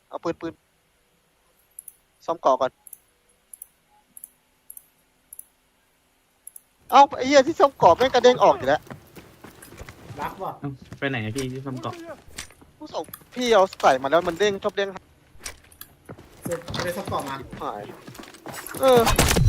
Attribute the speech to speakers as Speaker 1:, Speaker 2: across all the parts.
Speaker 1: เอาปืนซ่อมเกาะก่อนเอ้าไอ้เหี้ยที่ซ่อมเกาะแม่งกระเด้งออกอยู่แล้ว
Speaker 2: รักว่ะ
Speaker 3: เอ้าไปไหนอะพี่ที่ซ่อมเกาะ
Speaker 1: ผู้ส่งพี่เอาใส่มาแล้วมันเด้งชอบเด้ง
Speaker 2: เสร็จไม่ได้ซับต่อมา
Speaker 1: หายเออ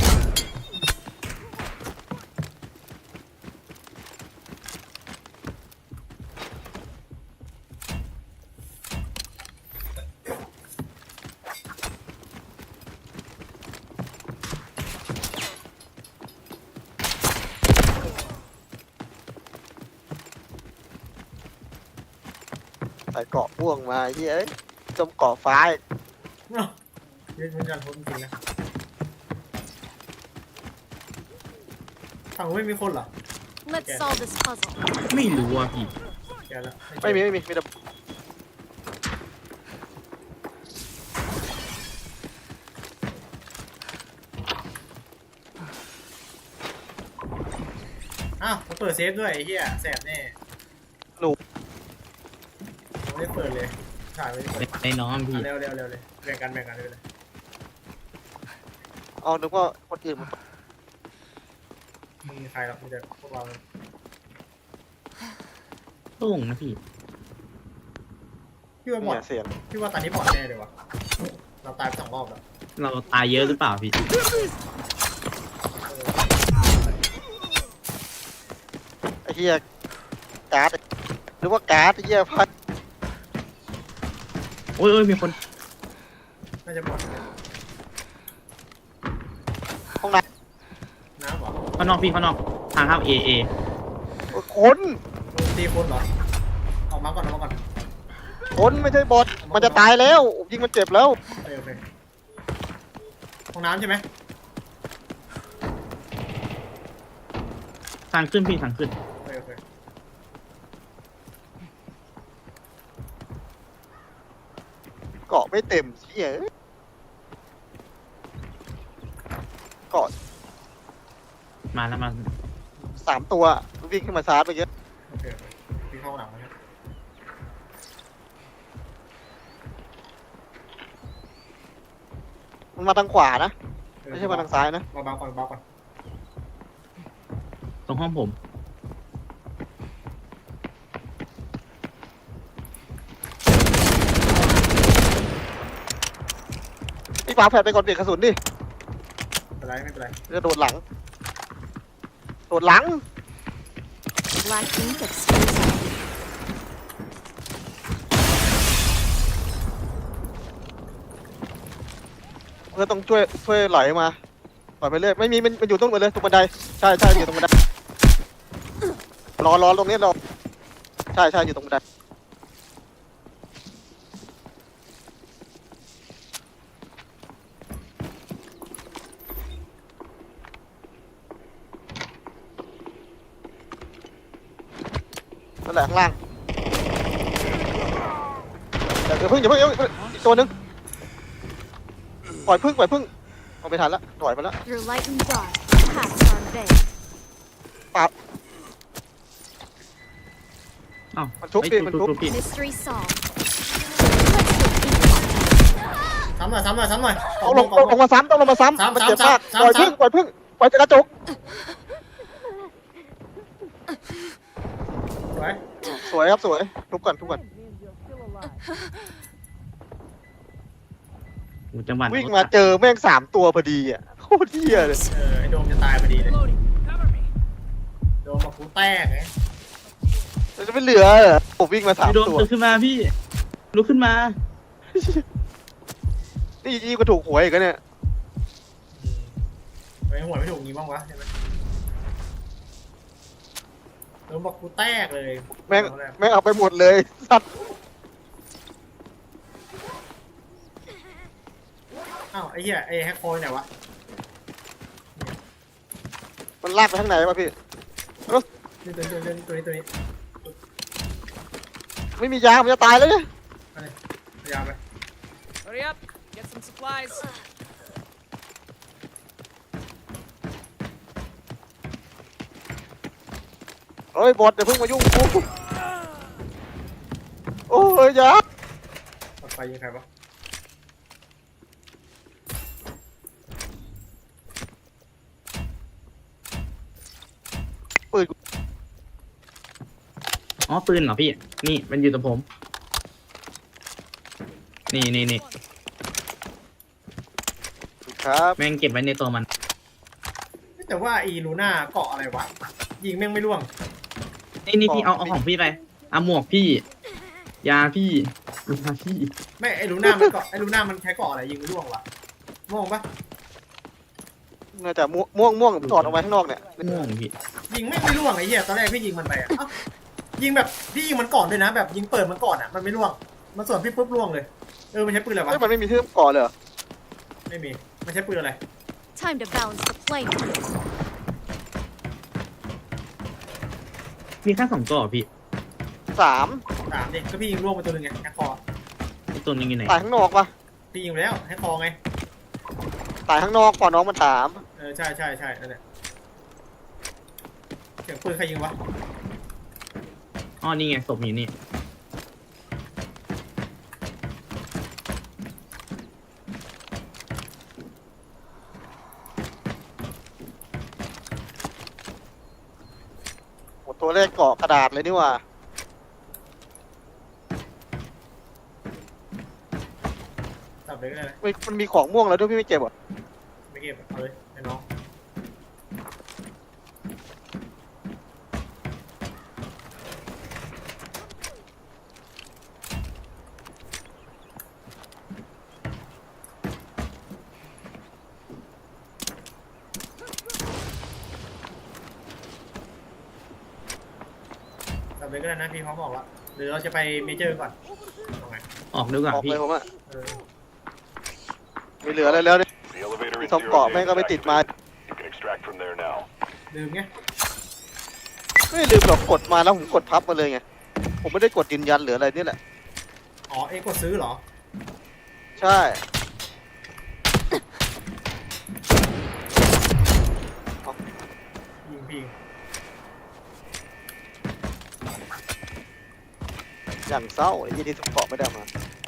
Speaker 1: ใส่เกาะพ่วงมาไอ้เหี้ยเอ้ยซ่อมเกาะฟ้าอีก
Speaker 2: เนาะเรียนเป็นการทดจริงๆนะฝั่งนู้นไม่มีคนเหรอ
Speaker 4: Let's solve this puzzle.
Speaker 3: ไม่รู้อ่ะพี่
Speaker 2: แกแล้ว
Speaker 1: ไม่มีมีแต่
Speaker 2: อ้าวเขาเปิดเซฟด้วยไอ้เหี้ยแสบแน่ผมไม่ได้เปิดเลยถ่ายไม่ได้เปิด
Speaker 3: ไอ้น้องพี่
Speaker 2: เร็วเลยแบ่งกันเลย
Speaker 1: เอานึกว่าคนอื่นมัน
Speaker 2: ไม่มีใครหรอกมีแต่พวกเรา
Speaker 3: โล่งนะพี่
Speaker 2: พี่ว่าบอ
Speaker 1: เนี่
Speaker 2: ด
Speaker 1: ยเสียง
Speaker 2: พี่ว่าตอนนี้บอดแน่เลยวะเราตายไป2 รอบแล้ว
Speaker 3: เราตายเยอะหรือเปล่าพี่
Speaker 1: ไอ้เหี้ยการ์ดหรือว่าการ์ดไอ้เหี้ยพัด
Speaker 3: โอ้ยมีคน
Speaker 2: น่าจะบอด
Speaker 1: ห้องน้
Speaker 2: น้ำเหรอ
Speaker 3: ข้างนอกพี่ข้างนอกทางเข้าเอ
Speaker 1: ำคน
Speaker 2: ตีคนเหรอออกมาก่อน
Speaker 1: คนไม่ใช่บอทมันจะตายแล้วยิงมันเจ็บแล้ว
Speaker 2: โอเคห้องน้ำใช่ไหม
Speaker 3: ทางขึ้นพี่ทางขึ้น
Speaker 2: โอเค
Speaker 1: เกาะไม่เต็มเหี้ยเกาะ
Speaker 3: มาแล้วมา
Speaker 1: 3 ตัววิ่งขึ้นมาชาร์จไปเยอะ
Speaker 2: โอเคพี่เข้าห้องน้ำแล้ว
Speaker 1: มันมาทางขวานะไม่ใช่มาทางซ้ายนะ
Speaker 2: เบาก่อน
Speaker 3: ตรงห้องผม
Speaker 1: พี่ฟ้าแผดไปก่อนเปลี่ยนกระสุนดิ
Speaker 2: ไม่เป็นไร
Speaker 1: จะโดดหลังโดดหลัง
Speaker 4: Black ink exposed.
Speaker 1: เพื่อต้องช่วยไหลมาปล่อยไปเรื่อยไม่มีมันอยู่ตรงหมดเลยตรงบันไดใช่อยู่ตรงบันไดรอตรงนี้รอใช่อยู่ตรงบันไดนั่นแหละข้างล่างอย่าเพิ่งอีกตัวนึงปล่อยพึ่งเอาไปทันละปล่อยไปแล้ว
Speaker 4: Your light and dark paths are veiled.
Speaker 3: เอ้า
Speaker 1: มันชุบดิมันชุบ
Speaker 3: พี่
Speaker 4: Mystery solved. Let's go ink.
Speaker 2: ซ้ำหน่อย
Speaker 1: ต้องลงมาซ้ำมันเจ็บมากปล่อยพึ่งปล่อยกระจก
Speaker 2: สวย
Speaker 1: สวยครับสวยทุบก่อน
Speaker 3: จังหวัด
Speaker 1: วิ่งมาเจอแม่ง3 ตัวพอดีอ่ะโคตรเหี้ยเลย
Speaker 2: ไอ้โดมจะตายพอดีเลยโดมมากูแตกไง
Speaker 1: มันจะไม่เหลือเหรอผมวิ่งมา
Speaker 3: พี่โดน
Speaker 1: 3 ตัว
Speaker 3: ตื่นขึ้นมาพี่ลุกขึ้นมา
Speaker 1: นี่ยี่ก็ถูกหวยอีกแล้วเนี่ย
Speaker 2: ไอ้หัวไม่ถูกงี้บ้างวะใช่ไหมโดมบอกกูแตกเลย
Speaker 1: แม่งเอาไปหมดเลยสัตว์
Speaker 2: อ้าวไอ้เหี้ยไอ้แฮกโคยไหนวะ
Speaker 1: มันลากไปทางไหนวะพี่
Speaker 2: นี่ตัวนี้
Speaker 1: ไม่มียามันจะตายแล้วเนี่ย
Speaker 2: พยายามไป
Speaker 5: Hurry up, get some supplies.
Speaker 1: เฮ้ยบอทอย่าเพิ่งมายุ่งกูโอ้ยยา
Speaker 2: ปัดไฟยิงใครวะ
Speaker 3: อ๋อปืนเหรอพี่ นี่มันอยู่กับผม นี่
Speaker 1: ครับ
Speaker 3: แม่งเก็บไว้ในตัวมัน
Speaker 2: แต่ว่าอีลูน่าเกาะอะไรวะยิงแม่งไม่ร่วง
Speaker 3: นี่พี่เอาของพี่ไปเอาหมวกพี่ ยาพี่ยาพี่
Speaker 2: ไม่ไอลูน่ามันเกาะไอลูน่ามันใช้เกาะอะไรยิงไม่ร่วงวะม่วงปะ
Speaker 1: น่าจะม่วงถอดออกมาข้างนอกเนี่ย
Speaker 3: ม่วงพี่
Speaker 2: ยิงแม่งไม่ร่วงไอ้เหี้ยตอนแรกพี่ยิงมันไปอะเอ้ายิงแบบพี่ยิงมันก่อนด้วยนะ แบบยิงเปิดมันก่อนอะมันไม่ร่วงมันส่วนพี่ปุ๊บร่วงเลยมันใช้ปืนอะไรวะ
Speaker 1: เฮ้ยมันไม่มีที่ก่อนเลยเหรอ
Speaker 2: ไม่มีมันใช้ปืนอะไร
Speaker 4: Time to balance the plane.
Speaker 3: มีแค่2ตัวเหรอพี่
Speaker 1: 3
Speaker 2: 3ดิก็พี่ยิงร่วงไปตัวหนึงไงแฮกคอ
Speaker 3: ไอ้ตัวนึงอยู่ไหน
Speaker 1: ตายข้างนอกปะ
Speaker 2: พี่ยิงไปแล้วแฮกคอไง
Speaker 1: ตายข้างนอกก่อนน้องมันถาม
Speaker 2: ใช่นั่นแหละเสียงปืนใครยิงวะ
Speaker 3: อ๋อนี่ไงศพอยู่นี่
Speaker 1: หมดตัวเลขเกาะกระดาษเลยนี่หว่า
Speaker 2: ตับเลยก็ได้นะ
Speaker 1: มันมีของม่วงแล้วด้วยพี่ไม่เก็บเหรอ
Speaker 2: ไม่เก็บเอาเลยไอ้น้อง ตับเลยก็ได้นะพี่เขาบอกว่าหรือเราจะไปเมเจอร์ก่อนเอาไง
Speaker 3: ออกดีกว่า
Speaker 1: ออก
Speaker 3: พี่
Speaker 1: เลยผมอะ
Speaker 2: เออ
Speaker 1: ไม่เหลืออะไรแล้วเนี่ย
Speaker 6: The elevator
Speaker 1: มี
Speaker 6: is
Speaker 1: ทอม
Speaker 6: zero
Speaker 1: เกาะ
Speaker 6: G
Speaker 1: แม่งก็ไม่ติดมา
Speaker 6: extracted. You can extract from there now.
Speaker 2: ลืมไง
Speaker 1: ไม่ลืมหรอกกดมาแล้วผมกดพับมาเลยไง ผมไม่ได้กดยืนยันหรืออะไรนี่แหละ
Speaker 2: อ๋อเอกดซื้อเหรอ
Speaker 1: ใช่
Speaker 2: ยิงพี่
Speaker 1: อย่างเศร้าไอ้ยี่ที่ทอมเกาะไม่ได้มา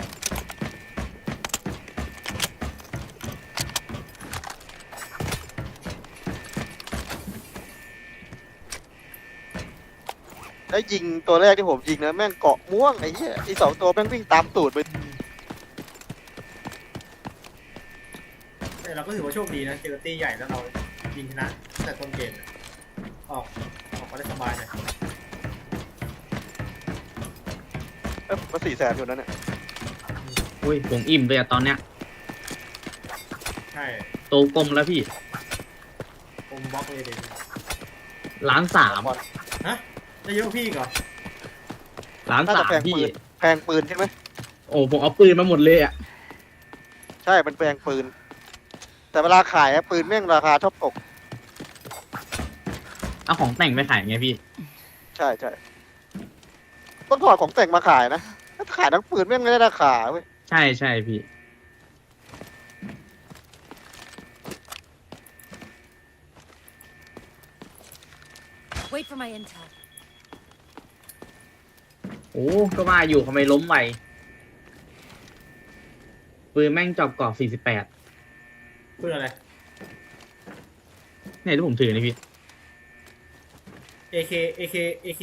Speaker 1: แล้วยิงตัวแรกที่ผมยิงนะแม่งเกาะม่วงไอ้เหี้ยอี2 ตัวแม่งวิ่งตามตูดไป
Speaker 2: แต่เราก็ถือว่าโชคดีนะเจอตี้ใหญ่แล้วเรายิงชนะตั้งแต่ต้นเกมอะออกมาได้สบายเลย
Speaker 1: มา400,000อยู่นั่นเนี่ย
Speaker 3: อุ้ยผมอิ่มเลยอะตอนเนี้ย
Speaker 2: ใช่
Speaker 3: โตกลมแล้วพี่
Speaker 2: ผมบล็อกเลยเด็
Speaker 3: 1,300,000
Speaker 2: ฮะได้เยอะกว่าพี่อีกเหรอ
Speaker 1: น่าจะแพง
Speaker 3: 1,300,000พี่
Speaker 1: ปืนแพงปืนใช่ไหม
Speaker 3: โอ้ผมเอาปืนมาหมดเลยอะ
Speaker 1: ใช่มันแพงปืน แต่เวลาขายอะปืนแม่งราคาชอบตก
Speaker 3: เอาของแต่งไปขายไงพี่
Speaker 1: ใช่ต้องถอดของแต่งมาขายนะถ้าขายทั้งปืนแม่งไม่ได้ราคาเว้ย
Speaker 3: ใช่พี่
Speaker 4: Wait for my intel.
Speaker 3: โอ้ก็ว่าอยู่ทำไมล้มไวปืนแม่งจอบกรอบ48
Speaker 2: ปืนอะไร
Speaker 3: เนี่ยที่ผมถือนี่พี่
Speaker 2: AK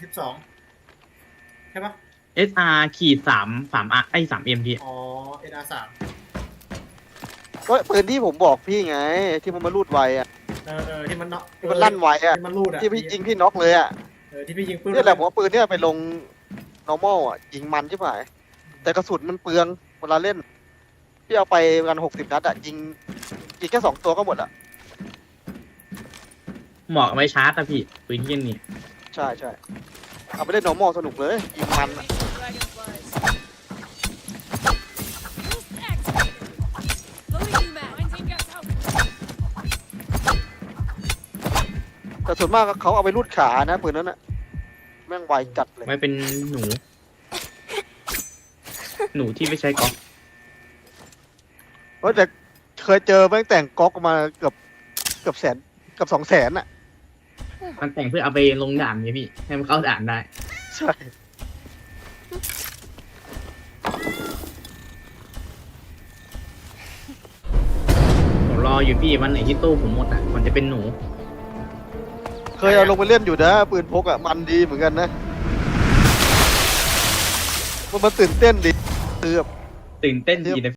Speaker 2: 12ใช่ปะ
Speaker 3: SR ขีด3 ไอ้ 3M พี่
Speaker 2: อ๋อ NR3
Speaker 1: ก็ปืนที่ผมบอกพี่ไง ที่มันมารูดไวอะ
Speaker 2: ที่มันเนาะ
Speaker 1: ที่มันลั่นไวอะ
Speaker 2: ที่มันรูดอะ
Speaker 1: ที่พี่ยิงพี่น็อกเลยอะ
Speaker 2: ที่พี่ยิงปืน
Speaker 1: นี่แหละผมว่าปืนเนี่ยไปลง normal อะยิงมันใช่ไหมแต่กระสุนมันเปลืองเวลาเล่นพี่เอาไปกัน60 นัดอะยิงแค่2 ตัวก็หมดอะ
Speaker 3: เหมาะเอาไว้ชาร์จอะพี่ปืนเยี่ยนนี่
Speaker 1: ใช่เอาไปเล่น normal สนุกเลยยิงมันอะ
Speaker 5: Dragonflies.
Speaker 4: Boost activated. Loading new mag.
Speaker 5: Mine team gets out.
Speaker 1: แต่ส่วนมากเขาเอาไปรูดขานะปืนนั้นอะแม่งไวจัดเลย
Speaker 3: ไว้เป็นหนู หนูที่ไม่ใช้ก๊อก
Speaker 1: เฮ้ยแต่เคยเจอแม่งแต่งก๊อกมาเกือบแสนเกือบ200,000อะ
Speaker 3: มันแต่งเพื่อเอาไปลงด่านไงพี่ ให้มันเข้าด่านได้
Speaker 1: ใช่
Speaker 3: ผมรออยู่พี่วันไหนที่ตู้ผมหมดอ่ะมันจะเป็นหนู
Speaker 1: เคยเอาลงไปเล่นอยู่นะปืนพกอะมันดีเหมือนกันนะมันตื่นเต้นดิคือแบบ
Speaker 3: ตื่นเต้นดีเลย